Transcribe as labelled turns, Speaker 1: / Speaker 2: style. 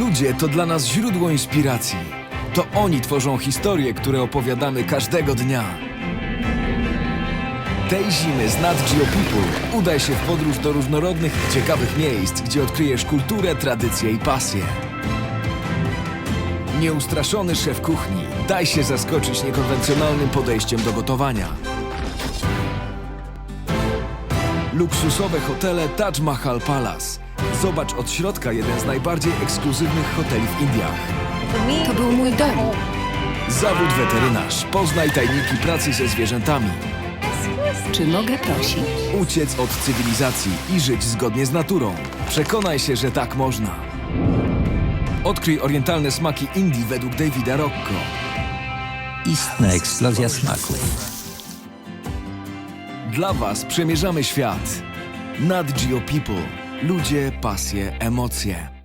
Speaker 1: Ludzie to dla nas źródło inspiracji. To oni tworzą historie, które opowiadamy każdego dnia. Tej zimy z Nat Geo People udaj się w podróż do różnorodnych i ciekawych miejsc, gdzie odkryjesz kulturę, tradycje i pasję. Nieustraszony szef kuchni, daj się zaskoczyć niekonwencjonalnym podejściem do gotowania. Luksusowe hotele Taj Mahal Palace. Zobacz od środka jeden z najbardziej ekskluzywnych hoteli w Indiach.
Speaker 2: To był mój dom.
Speaker 1: Zawód weterynarz. Poznaj tajniki pracy ze zwierzętami.
Speaker 2: Czy mogę prosić?
Speaker 1: Uciec od cywilizacji i żyć zgodnie z naturą. Przekonaj się, że tak można. Odkryj orientalne smaki Indii według Davida Rocco.
Speaker 3: Istna eksplozja smaków.
Speaker 1: Dla Was przemierzamy świat. Nat Geo People. Ludzie, pasje, emocje.